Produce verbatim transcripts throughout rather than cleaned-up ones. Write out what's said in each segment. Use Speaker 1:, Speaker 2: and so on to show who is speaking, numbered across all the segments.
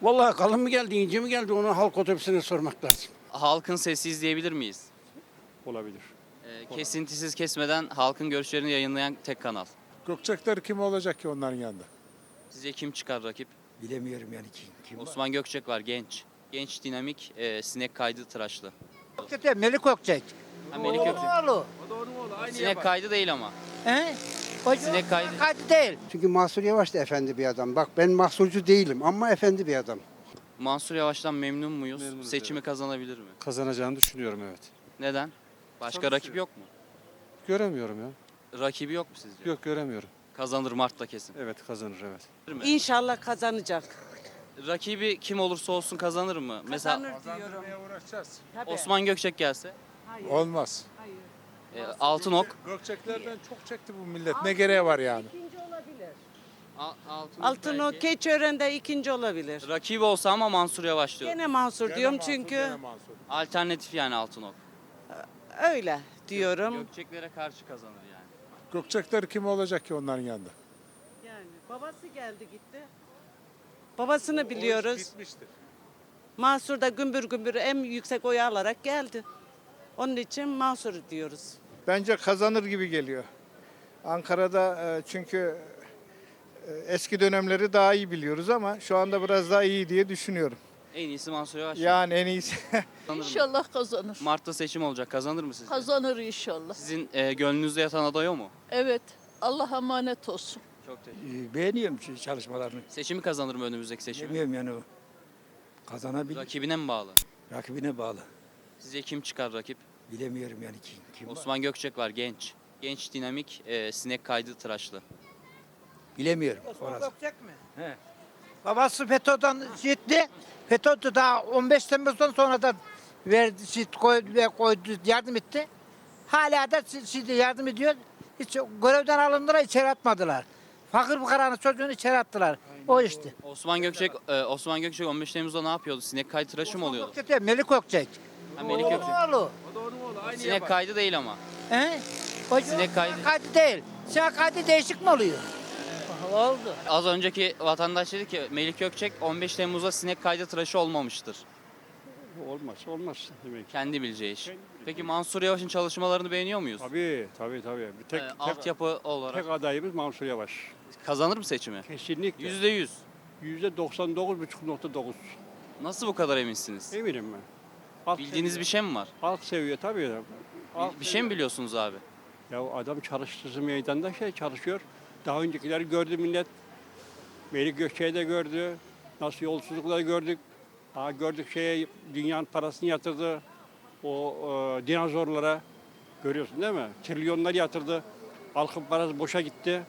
Speaker 1: Vallahi kalın mı geldi, ince mi geldi onu halk otobüsüne sormak lazım.
Speaker 2: Halkın sesi izleyebilir miyiz?
Speaker 3: Olabilir.
Speaker 2: Ee, kesintisiz kesmeden halkın görüşlerini yayınlayan tek kanal.
Speaker 4: Gökçekler kim olacak ki onların yanında?
Speaker 2: Sizce kim çıkar rakip?
Speaker 5: Bilemiyorum yani kim. kim var.
Speaker 2: Osman Gökçek var, genç. Genç, dinamik, e, sinek kaydı tıraşlı.
Speaker 5: Gökçek, Melik Gökçek.
Speaker 2: Ha, Melik Gökçek.
Speaker 5: Oğlu.
Speaker 2: Sinek kaydı değil ama.
Speaker 5: He? O
Speaker 2: Sinek kaydı.
Speaker 5: kaydı değil.
Speaker 1: Çünkü Mansur Yavaş da efendi bir adam. Bak ben mahsurcu değilim ama efendi bir adam.
Speaker 2: Mansur Yavaş'tan memnun muyuz?
Speaker 3: Memnunuz,
Speaker 2: Seçimi kazanabilir mi?
Speaker 3: Kazanacağını düşünüyorum, evet.
Speaker 2: Neden? Başka
Speaker 3: Çalışıyor.
Speaker 2: rakip yok mu?
Speaker 3: Göremiyorum ya.
Speaker 2: Rakibi yok mu sizce?
Speaker 3: Yok, göremiyorum.
Speaker 2: Kazanır Mart'ta kesin.
Speaker 3: Evet, kazanır, evet.
Speaker 2: Değil mi?
Speaker 6: İnşallah kazanacak.
Speaker 2: Rakibi kim olursa olsun kazanır mı? Mesela
Speaker 6: Kazanır diyorum.
Speaker 4: uğraşacağız.
Speaker 6: Tabii.
Speaker 2: Osman Gökçek gelse,
Speaker 6: Hayır.
Speaker 4: Olmaz.
Speaker 6: Hayır.
Speaker 2: e, Altınok.
Speaker 4: Gökçeklerden çok çekti bu millet. Ne gereği var yani?
Speaker 6: İkinci olabilir.
Speaker 2: A- Altınok
Speaker 6: Altın o
Speaker 2: belki.
Speaker 6: Keçiören'de ikinci olabilir.
Speaker 2: Rakibi olsa ama Mansur Yavaş diyor.
Speaker 6: Gene Mansur
Speaker 4: Gene
Speaker 6: diyorum
Speaker 4: Mansur,
Speaker 6: çünkü
Speaker 4: gene Mansur.
Speaker 2: Alternatif yani Altınok.
Speaker 6: öyle diyorum.
Speaker 2: Gökçeklere karşı kazanır yani.
Speaker 4: Gökçekler kim olacak ki onların yanında?
Speaker 6: Yani babası geldi gitti. Babasını biliyoruz.
Speaker 4: Bitmiştir.
Speaker 6: Mansur da gümbür gümbür en yüksek oyu alarak geldi. Onun için Mansur diyoruz.
Speaker 7: Bence kazanır gibi geliyor. Ankara'da e, çünkü e, eski dönemleri daha iyi biliyoruz ama şu anda biraz daha iyi diye düşünüyorum.
Speaker 2: En iyisi Mansur Yavaş.
Speaker 7: Yani en iyisi.
Speaker 2: Kazanır mı?
Speaker 8: İnşallah kazanır.
Speaker 2: Mart'ta seçim olacak. Kazanır mı sizce?
Speaker 8: Kazanır inşallah.
Speaker 2: Sizin e, gönlünüzde yatan aday o mu?
Speaker 8: Evet. Allah emanet olsun.
Speaker 2: Çok teşekkür
Speaker 5: Ee, Beğeniyorum şu çalışmalarını.
Speaker 2: Seçimi kazanır mı önümüzdeki seçimi?
Speaker 5: Bilmiyorum yani o. Kazanabilir.
Speaker 2: Rakibine mi bağlı?
Speaker 5: Rakibine bağlı.
Speaker 2: Sizce kim çıkar rakip?
Speaker 5: Bilemiyorum yani kim. kim var.
Speaker 2: Osman Gökçek var, genç. Genç, dinamik, e, sinek kaydı tıraşlı.
Speaker 5: Bilemiyorum. Orası.
Speaker 9: Gökçek mi?
Speaker 5: He.
Speaker 9: Babası FETÖ'den gitti. FETÖ daha on beş Temmuz'dan sonra da verdi, şit koydu ve koydu, yardım etti. Hala da şimdi yardım ediyor. Hiç görevden alındılar, içeri atmadılar. Fakir fukaranın çocuğunu içeri attılar. O işte.
Speaker 2: Osman Gökçek e, Osman Gökçek on beş Temmuz'da ne yapıyordu? Sinek kaydı tıraşı mı oluyordu?
Speaker 9: Gökçek değil, Melik Gökçek.
Speaker 2: Ha, Melik Gökçek.
Speaker 9: Oğlu.
Speaker 2: Sinek kaydı değil ama.
Speaker 9: He? O
Speaker 2: Sinek kaydı.
Speaker 9: kaydı değil. Sinek kaydı değişik mi oluyor? Oldu.
Speaker 2: Az önceki vatandaş dedi ki Melik Gökçek on beş Temmuz'da sinek kaydı tıraşı olmamıştır.
Speaker 3: Olmaz, olmaz demek.
Speaker 2: Kendi bileceği iş. Peki Mansur Yavaş'ın çalışmalarını beğeniyor muyuz?
Speaker 3: Tabii, tabii, tabii. Bir tek,
Speaker 2: Ee,
Speaker 3: tek,
Speaker 2: altyapı olarak
Speaker 3: tek adayımız Mansur Yavaş.
Speaker 2: kazanır mı seçimi?
Speaker 3: Kesinlikle.
Speaker 2: Yüzde yüz.
Speaker 3: Yüzde doksan dokuz buçuk nokta dokuz.
Speaker 2: Nasıl bu kadar eminsiniz?
Speaker 3: Eminim ben. Halk
Speaker 2: Bildiğiniz bir
Speaker 3: seviyor.
Speaker 2: şey mi var?
Speaker 3: Halk seviyor tabii. ya. Halk
Speaker 2: Bir, bir şey
Speaker 3: seviyor.
Speaker 2: mi biliyorsunuz abi?
Speaker 3: Ya adam çalıştığı meydanda şey çalışıyor. Daha öncekileri gördü millet. Melik Gökçek'i de gördü. Nasıl yolsuzlukları gördük. Ha gördük şeye dünyanın parasını yatırdı. O e, dinozorlara. Görüyorsun değil mi? Trilyonlar yatırdı. Halkın parası boşa gitti.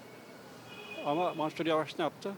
Speaker 3: Ama Mansur Yavaş ne yaptı?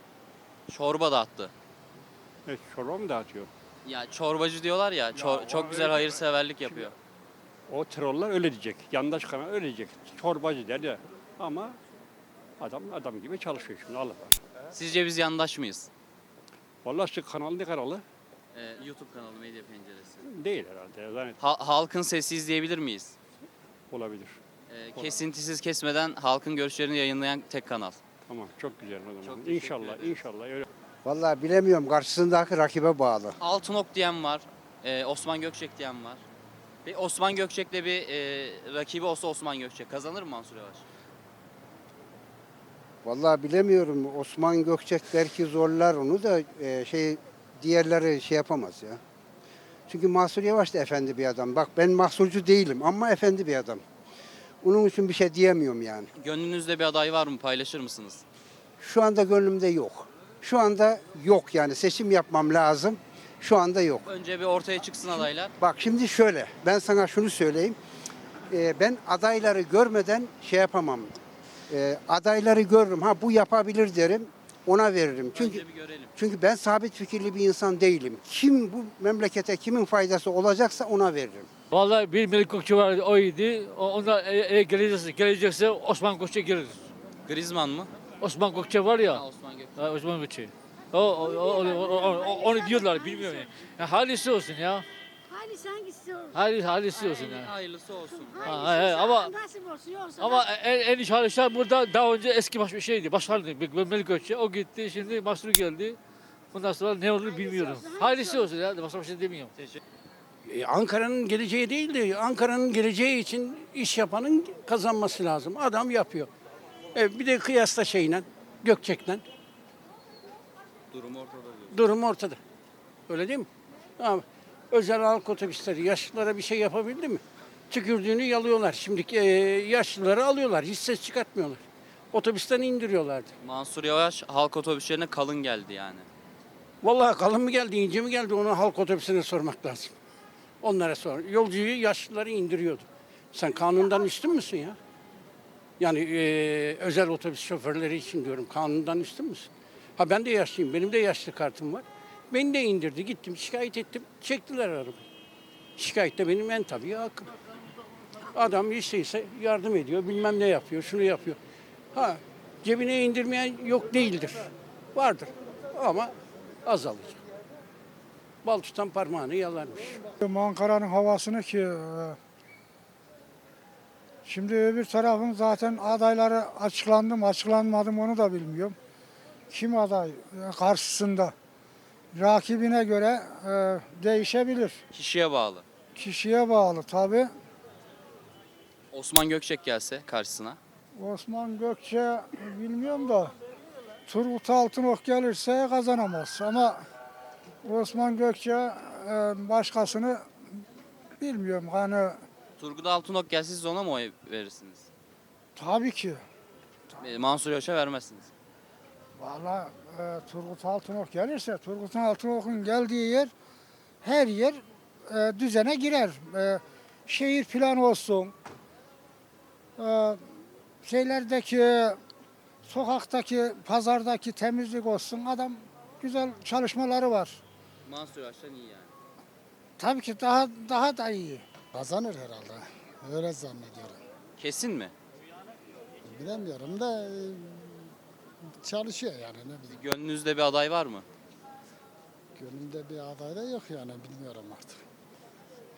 Speaker 2: Çorba dağıttı.
Speaker 3: E, çorba mı dağıtıyor?
Speaker 2: Ya çorbacı diyorlar ya, çor-
Speaker 3: o
Speaker 2: çok güzel
Speaker 3: öyle-
Speaker 2: hayırseverlik yapıyor.
Speaker 3: O troller öyle diyecek. Yandaş kanal öyle diyecek. Çorbacı der ya. Ama adam adam gibi çalışıyor şimdi Allah var.
Speaker 2: Sizce biz yandaş mıyız?
Speaker 3: Vallahi şu kanal ne kanalı?
Speaker 2: Ee, YouTube kanalı Medya Penceresi.
Speaker 3: Değil herhalde. Zannet
Speaker 2: Ha- halkın sesi izleyebilir miyiz?
Speaker 3: olabilir.
Speaker 2: Ee, kesintisiz kesmeden halkın görüşlerini yayınlayan tek kanal.
Speaker 3: Tamam, çok güzel o zaman.
Speaker 2: Çok teşekkür
Speaker 3: İnşallah,
Speaker 2: ederiz.
Speaker 3: inşallah öyle.
Speaker 1: Vallahi bilemiyorum karşısındaki rakibe bağlı.
Speaker 2: Altınok diyen var, e, Osman Gökçek diyen var. Bir Osman Gökçek'le bir e, rakibi olsa Osman Gökçek kazanır mı Mansur Yavaş?
Speaker 1: Vallahi bilemiyorum. Osman Gökçek belki zorlar onu da e, şey diğerleri şey yapamaz ya. Çünkü Mansur Yavaş da efendi bir adam. Bak ben mahsurcu değilim ama efendi bir adam. Onun için bir şey diyemiyorum yani.
Speaker 2: Gönlünüzde bir aday var mı? Paylaşır mısınız?
Speaker 1: Şu anda gönlümde yok. Şu anda yok yani seçim yapmam lazım. Şu anda yok.
Speaker 2: Önce bir ortaya çıksın adaylar.
Speaker 1: Bak şimdi şöyle ben sana şunu söyleyeyim. Ee, ben adayları görmeden şey yapamam. Ee, adayları görürüm. Ha bu yapabilir derim. Ona veririm. Çünkü
Speaker 2: Önce bir görelim.
Speaker 1: çünkü ben sabit fikirli bir insan değilim. Kim bu memlekete kimin faydası olacaksa ona veririm.
Speaker 10: Vallahi bir Melik Gökçek vardı, o iyiydi. O- Onlar e- eğer gelecekse, gelecekse Osman Gökçek gelir.
Speaker 2: Griezmann mı?
Speaker 10: Osman Gökçek var ya,
Speaker 2: Ha, Osman Gökçek.
Speaker 10: ha, Osman Gökçek. O, o, o, o, o- o- onu diyorlar, bilmiyorum. Yani. Ya, halisi olsun ya.
Speaker 8: Hangisi hangisi olsun?
Speaker 10: Hali, halisi olsun
Speaker 2: Hayırlı-
Speaker 10: ya.
Speaker 2: Hayırlısı olsun.
Speaker 10: Ha, ha, ha, ama
Speaker 8: Nasip olsun yoksa.
Speaker 10: ama en, en iyi çalışan burada daha önce eski baş şeydi, başkandı. Melik Gökçek. O gitti, şimdi Mansur geldi. Bundan sonra ne olur bilmiyorum. Hayırlısı olsun ya. Başka bir şey demiyorum.
Speaker 11: E, Ankara'nın geleceği değil de Ankara'nın geleceği için iş yapanın kazanması lazım. Adam yapıyor. E, bir de kıyasla şeyle, Gökçek'le
Speaker 2: Durum ortada diyor.
Speaker 11: durum ortada. Öyle değil mi? Ama özel halk otobüsleri yaşlılara bir şey yapabildi mi? Tükürdüğünü yalıyorlar. Şimdiki e, yaşlıları alıyorlar. Hiç ses çıkartmıyorlar. Otobüsten indiriyorlardı.
Speaker 2: Mansur Yavaş halk otobüslerine kalın geldi yani.
Speaker 11: Vallahi kalın mı geldi, ince mi geldi onu halk otobüsüne sormak lazım. Onlara sor. Yolcuyu, yaşlıları indiriyordu. Sen kanundan üstün müsün ya? Yani e, özel otobüs şoförleri için diyorum. Kanundan üstün müsün? Ha ben de yaşlıyım. Benim de yaşlı kartım var. Beni de indirdi. Gittim şikayet ettim. Çektiler arabayı. Şikayet de benim en tabii hakkım. Adam işteyse yardım ediyor. Bilmem ne yapıyor. Şunu yapıyor. Ha cebine indirmeyen yok değildir. Vardır. Ama azalacak. Bal tutan parmağını yalarmış.
Speaker 12: Ankara'nın havasını ki e, şimdi öbür tarafın zaten adayları açıklandı mı açıklanmadı mı onu da bilmiyorum. Kim aday e, karşısında rakibine göre e, değişebilir.
Speaker 2: Kişiye bağlı.
Speaker 12: Kişiye bağlı tabi.
Speaker 2: Osman Gökçek gelse karşısına.
Speaker 12: Osman Gökçe bilmiyorum da Turgut Altınok gelirse kazanamaz ama Osman Gökçe e, başkasını bilmiyorum hani
Speaker 2: Turgut Altınok gelse siz ona mı oy verirsiniz?
Speaker 12: tabii ki.
Speaker 2: E, Mansur Yavaş'a vermezsiniz.
Speaker 12: Vallahi e, Turgut Altınok gelirse Turgut Altınok'un geldiği yer her yer e, düzene girer. E, şehir planı olsun. E, şeylerdeki sokaktaki pazardaki temizlik olsun. Adam güzel çalışmaları var.
Speaker 2: Mansur Yavaş'tan iyi yani.
Speaker 12: Tabii ki daha daha da iyi.
Speaker 13: Kazanır herhalde. Öyle zannediyorum.
Speaker 2: Kesin mi?
Speaker 13: Bilemiyorum da e, çalışıyor yani ne bileyim.
Speaker 2: Gönlünüzde bir aday var mı?
Speaker 13: Gönlümde bir aday da yok yani bilmiyorum artık.